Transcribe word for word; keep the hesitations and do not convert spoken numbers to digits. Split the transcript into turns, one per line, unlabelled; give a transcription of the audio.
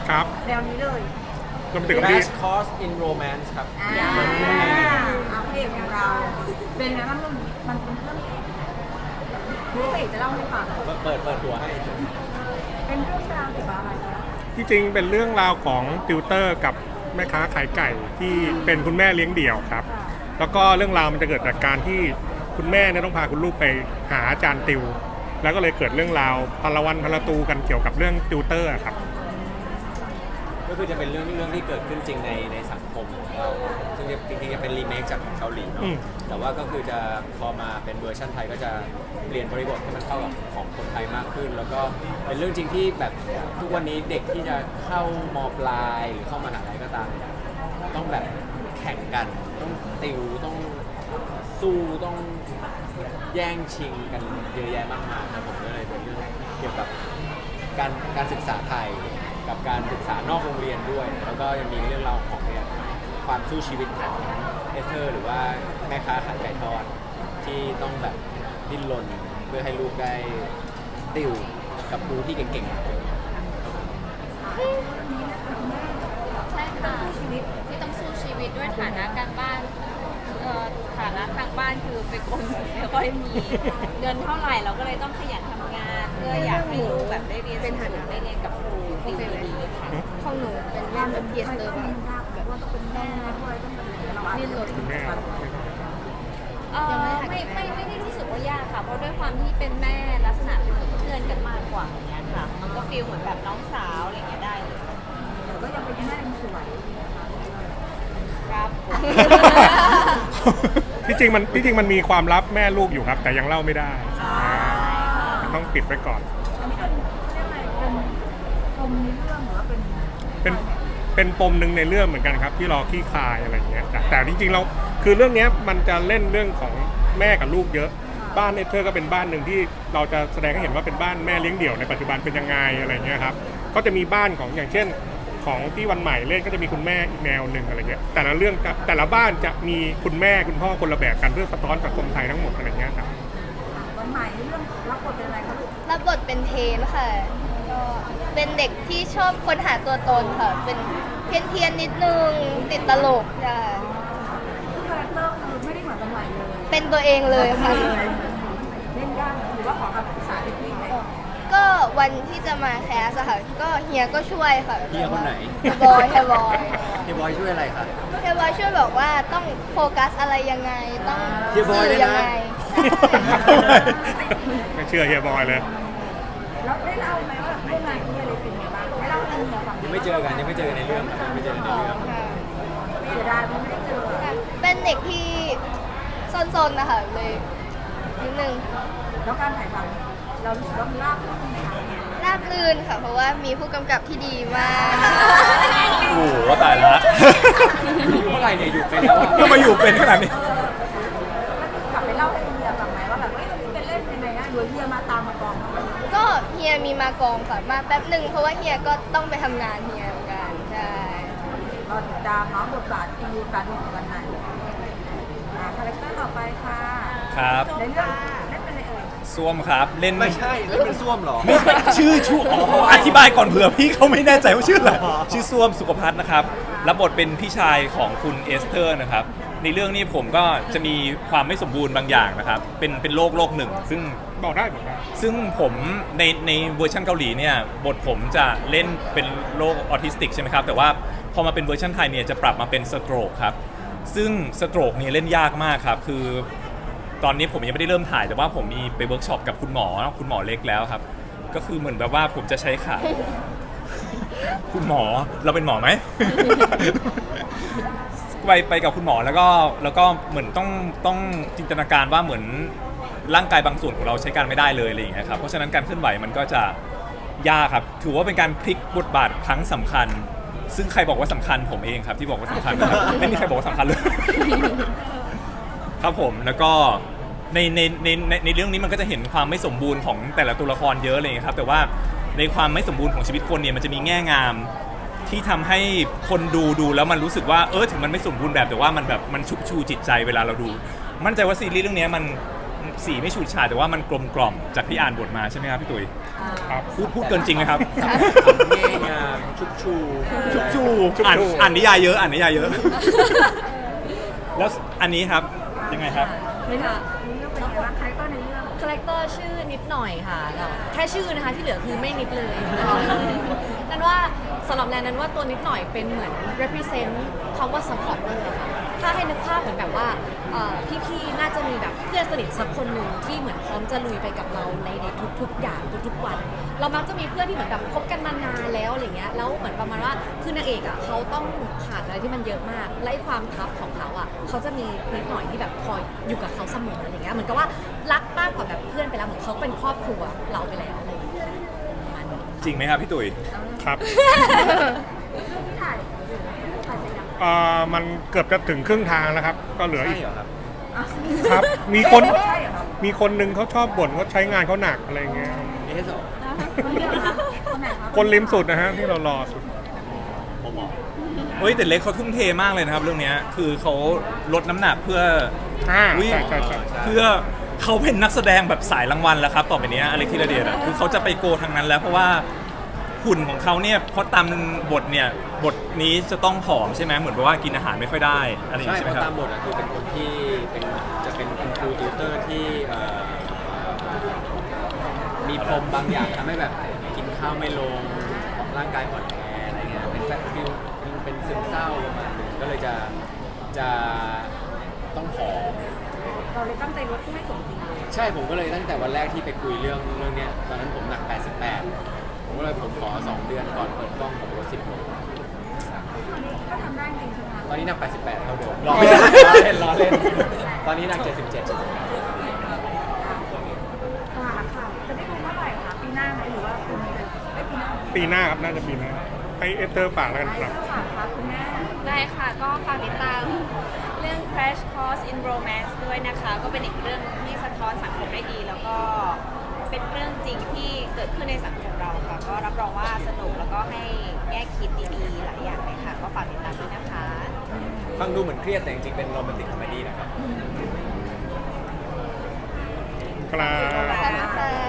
ครับ
แนวนี้เลย
รวมถึงที่
Crash Course in Romance ครับ
อ่าเอาเพลงของเราเป็นไงบ้างเรื่องนี้มันเป็นเรื่องพี่เอกจะเล่าให้ฟัง
เปิดเปิดเปิดตัวให้
เป็นเรื่องราวเกี่ยวกับอะไรคะ
ที่จริงเป็นเรื่องราวของติวเตอร์กับแม่ค้าขายไก่ที่เป็นคุณแม่เลี้ยงเดี่ยวครับแล้วก็เรื่องราวมันจะเกิดจากการที่คุณแม่เนี่ยต้องพาคุณลูกไปหาอาจารย์ติวแล้วก็เลยเกิดเรื่องราวพลวันพลตูกันเกี่ยวกับเรื่องติวเตอร์ครับ
ก็คือจะเป็นเรื่องเรื่องที่เกิดขึ้นจริงในในสังคมของเราซึ่งจริงๆจะเป็นรีเมคจากเกาหลีเนาะแต่ว่าก็คือจะพอมาเป็นเวอร์ชันไทยก็จะเปลี่ยนบริบทให้มันเข้ากับของคนไทยมากขึ้นแล้วก็เป็นเรื่องจริงที่แบบทุกวันนี้เด็กที่จะเข้ามปลายหรือเข้ามหาลัยก็ตามต้องแบบแข่งกันต้องติวต้องสู้ต้องแย่งชิงกันเยอะแยะมากมายครับผมก็เลยเป็นเรื่องเกี่ยวกับการการศึกษาไทยกับการศึกษานอกโรงเรียนด้วย แล้วก็ยังมีเรื่องราวของเนี่ยความสู้ชีวิตของเอสเธอร์หรือว่าแม่ค้าขายไก่ทอดที่ต้องแบบดิ้นรนเพื่อให้ลูกได้ติวกับครูที่เก่งๆ
ใช่ค่ะที่ต้องสู้ชีวิตด้วยฐานะการบ้านเอ่อฐานะทางบ้านคือเป็นคนไม่ค่อยมีเงินเท่าไหร่เราก็เลยต้องขยันทำงานเพื่ออยากให้ลูกแบบได้เรียนสูงๆได้เรียนกับครูดีๆค่ะของหนูเป็นเรื่องแบบเพียรเลยแบบ
ว่าต้องเป็นแม่ด้วยต้องเป็นเราอาจจะเป็น
แม่
เออไม่ไม่ไม่ได้รู้สึกว่ายากค่ะเพราะด้วยความที่เป็นแม่ลักษณะเป็นเหมือนเพื่อนกันมากกว่าอย่างเงี้ยค่ะมันก็ฟีลเหมือนแบบน้องสาวอะไรเงี้ยได้เลย
ก็ยังเป็นแม่สวย
ครับ
ที่จริงมันที่จริงมันมีความลับแม่ลูกอยู่ครับ แต่ยังเล่าไม่ได้ต้องปิดไว้ก่อน
อันนี้เป็นเรียกอะไรเป็นปมในเรื่องหรือว่าเป็น
เป็นเป็นปมหนึ่งในเรื่องเหมือนกันครับที่รอขี้คายอะไรอย่างเงี้ยแต่แต่จริงๆเราคือเรื่องนี้มันจะเล่นเรื่องของแม่กับลูกเยอะบ้านเอเธอร์ก็เป็นบ้านหนึ่งที่เราจะแสดงให้เห็นว่าเป็นบ้านแม่เลี้ยงเดี่ยวในปัจจุบันเป็นยังไงอะไรเงี้ยครับก็จะมีบ้านของอย่างเช่นของที่วันใหม่เล่นก็จะมีคุณแม่อีกแนวหนึ่งอะไรเงี้ยแต่ละเรื่องแต่ละบ้านจะมีคุณแม่คุณพ่อคนละแบบกันเพื่อสะท้อนสังคมไทยทั้งหมดอะไรเงี้ยครับ
วันใหม่เรื่องรับบทเป็นอะไรคะลูก
รับบทเป็นเทนค่ะก็เป็นเด็กที่ชอบค้นหาตัวตนค่ะ เป็นเพี้ยนเทียนๆนิดนึง ติดตลกค่ะ
ซึ่งคาแรคเตอร์คือไม่ได้เหมือนวันใหม่เลย
เป็นตัวเองเลยค่ะ
เล่นยากหรือว่าขอคำปรึกษาพี่พี่ไหม
ก็วันที่จะมาแคสอะค่ะ ก็เฮียก็ช่วยค่ะ
เฮียคนไหน
เฮียบอยเฮียบอย
เฮียบอยช่วยอะไรคะ
เฮียบอยช่วยบอกว่าต้องโฟกัสอะไรยังไง ต้อง
เฮียบอยด้วยนะ
สื่ยังไง
ไม่เชื่อเฮียบอยเลย
แล้วได้เล่าไหมว่าร่วมงานกับพี่อะไรเป็นไงบ้างไม่เล่าให้เฮียฟัง
ยังไม่เจอกันยังไม่เจอกันในเรื่องครับยังไม่เจอกันในเรื่อง
ค่ะ
เสียดายไม่ได้เจอ
เป็นเด็กที่ซนๆนะคะเลยนิดนึง
แล้วการถ่ายทำเรารู้สึกว่ามันราบรื่นไหมคะ
ราบรื่นค่ะ เพราะว่ามีผู้กำกับที่ดีมาก
โอ้โหตายละ
อยู่เมื่อไหร่เนี่ยอยู่เป็นแล้วอะ
ก็มาอยู่เป็นขนาดนี้
กลับไปเล่าให้เฮียฟังไหมว่าแบบเฮ้ยเราเป็นเล่นยังไงนะโดยเฮียมาตามมากองทำไม
ก็เฮียมีมากองค่ะมาแป๊บหนึ่งเพราะว่าเฮียก็ต้องไปทำงานเฮียเหมือนกันใช่
เราติดตามน้องบทบาทอีการของวันไหนอ่าคาแรคเตอร์ต่อไปค่ะ
ครับ
ในเรื่องเล่นเป็นอะไรเอ่ย
ส้วมครับเล่น
ไม่ใช่แล้วเป็นส้วมเหรอ
ไม่ใช่ชื่อชื่ออ๋ออธิบายก่อนเผื่อพี่เขาไม่แน่ใจว่าชื่ออะไรชื่อส้วมสุขภัทรนะครับรับบทเป็นพี่ชายของคุณเอสเธอร์นะครับในเรื่องนี้ผมก็จะมีความไม่สมบูรณ์บางอย่างนะครับเป็นเป็นโรคโรคหนึ่ง ซึ่ง
บอกได้บอกได้
ซึ่งผมในในเวอร์ชันเกาหลีเนี่ยบทผมจะเล่นเป็นโรคออทิสติกใช่ไหมครับแต่ว่าพอมาเป็นเวอร์ชันไทยเนี่ยจะปรับมาเป็นสโตรกครับซึ่งสโตรกเนี่ยเล่นยากมากครับคือตอนนี้ผมยังไม่ได้เริ่มถ่ายแต่ว่าผมมีไปเวิร์กช็อปกับคุณหมอคุณหมอเล็กแล้วครับก็คือเหมือนแบบว่าผมจะใช้ขา คุณหมอเราเป็นหมอไหม ไปไปกับคุณหมอแล้วก็แล้วก็เหมือนต้องต้องจินตนาการว่าเหมือนร่างกายบางส่วนของเราใช้การไม่ได้เลยอะไรอย่างเงี้ยครับเพราะฉะนั้นการเคลื่อนไหวมันก็จะยากครับถือว่าเป็นการพลิกบทบาทครั้งสำคัญ ซึ่งใครบอกว่าสำคัญผมเองครับที่บอกว่าสำคัญนะครับ ไม่มีใครบอกว่าสำคัญเลย ครับผมแล้วก็ในในในในในเรื่องนี้มันก็จะเห็นความไม่สมบูรณ์ของแต่ละตัวละครเยอะเลยครับแต่ว่าในความไม่สมบูรณ์ของชีวิตคนเนี่ยมันจะมีแง่งามที่ทำให้คนดูดูแล้วมันรู้สึกว่าเออถึงมันไม่สมบูรณ์แบบแต่ว่ามันแบบมันชุบชูจิตใจเวลาเราดูมั่นใจว่าซีรีส์เรื่องนี้มันสีไม่ฉูดฉาดแต่ว่ามันกลมกล่อมจากที่อ่านบทมาใช่ไหมครับพี่ตุ๋ย
ครับ
พูดพูดเกินจริงไหมครับ
เง่งามชุบชู
ชุบชู
ชุบชู
อ่านอ่านนิยายเยอะอ่านนิยายเยอะ แล้วอันนี้ครับยังไงครับ
ไม่ค่ะเรื่องเป็นไงบ้างคาแรคเตอร์ในเรื่อง
คาแรคเตอร์ชื่อนิดหน่อยค่ะแล้วแค่ชื่อนะคะที่เหลือคือไม่นิดเลย นั่นว่าสำหรับแนนนั้นว่าตัวนิดหน่อยเป็นเหมือน represent คำว่า supporter อะค่ะถ้าให้นึกภาพเหมือนแบบว่าเอ่อพี่ๆ น่าจะมีแบบเพื่อนสนิทสักคนหนึ่งที่เหมือนพร้อมจะลุยไปกับเราในในทุกๆ อย่างทุกๆ วัน เรามักจะมีเพื่อนที่เหมือนแบบคบกันมานานแล้วอะไรเงี้ยแล้วเหมือนประมาณว่าคือนางเอกอ่ะเขาต้องผ่านอะไรที่มันเยอะมากและไอ้ความทัฟของเขาอ่ะเขาจะมีนิดหน่อยที่แบบคอยอยู่กับเขาเสมออะไรเงี้ยเหมือนกับว่ารักมากกว่าแบบเพื่อนไปแล้วเหมือนเขาเป็นครอบครัวเราไปแล้วอะไรอย่างเงี้ยประมาณนี้
จริงไหมครับพี่ตุ๋ย
ครับ
ที่ถ่ายถ่ายเสร็จยัง
เอ่อมันเกือบจะถึงครึ่งทางแล้วครับ ก็เหลือ
ใช่
อีก
เหรอครับ
ครับ มีคน
ใช่เหรอครับ
มีคนหนึงเขาชอบบ่นเขาใช้งานเขาหนักอะไรเงี้ย
นี่ให้สอง
คนเดียวเหรอคะคนไหนคะ
คนริมสุดนะฮะที่เรารอสุด
ผมหมอ
เฮ้ยแต่เล็กเขาทุ่มเทมากเลยนะครับเรื่องเนี้ยคือเขาลดน้ำหนักเพื่อ
อ่า
อุ๊ย
ใช่ใช่ใช่
เพื่อเขาเป็นนักแสดงแบบสายรางวัลแล้วครับต่อไปเนี้ยอเล็กธีรเดชอะคือเขาจะไปโกทางนั้นแล้วเพราะว่าหุ่นของเขาเนี่ยเพราะตามบทเนี่ยบทนี้จะต้องผอมใช่ไหมเหมือนกับว่ากินอาหารไม่ค่อยได้อะไรอย่าง
ใช่
นี้ใช่ไห
เพ
ม
ราะ
ค
ตา
รับ
มบทอะคือเป็นคนที่เป็นจะเป็นคุณครูติวเตอร์ที่เอ่อมีปมบางอย่างทำให้แบบกินข้าวไม่ลงร่างกายอ่อนแออะไรเงี้ยเป็นแบบฟิลเป็นเป็นซึมเศร้าประมาณนึงก็เลยจะจะต้องผอม
เราเลยตั้งใจลดที่ให้สมจริงเลย
ใช่ผมก็เลยตั้งแต่วันแรกที่ไปคุยเรื่องเรื่องเนี้ยตอนนั้นผมหนัก แปดสิบแปด ผมก็เลยผมขอสองเดือนก่อนเปิดกล้องผมลดสิบโล
ก็ทำได้จริงใช่ไหมคะ
ตอนนี้หนัก แปดสิบแปด เท่าเดิมล้อเล่นล้อเล่น ตอนนี้หนัก เจ็ดสิบเจ็ด
ค่ะค่ะจะได้ดูเมื่อไหร่คะปีหน้าไหมหรือว่าปีนี้เลยไม่ปีหน้า
ปีหน้าครับน่าจะปีหน้าให้เอสเตอร์ฝากแล้วกันครับ
ฝากครับคุณแม่
ได้ค่ะก็ฝากติดตามเรื่อง Crash Course in Romance ด้วยนะคะ ก็เป็นอีกเรื่องที่สะท้อนสังคมได้ดี แล้วก็เป็นเรื่องจริงที่เกิดขึ้นในสังคมเราค่ะ ก็รับรองว่าสนุกแล้วก็ให้แง่คิดดีๆ หลายอย่างเลยค่ะ ก็ฝากติดตามด้วยนะคะ
ฟังดูเหมือนเครียดแต่จริงๆเป็นโรแมนติกคอมเมดี้นะครับ
ครับ
ขอบคุณค่ะ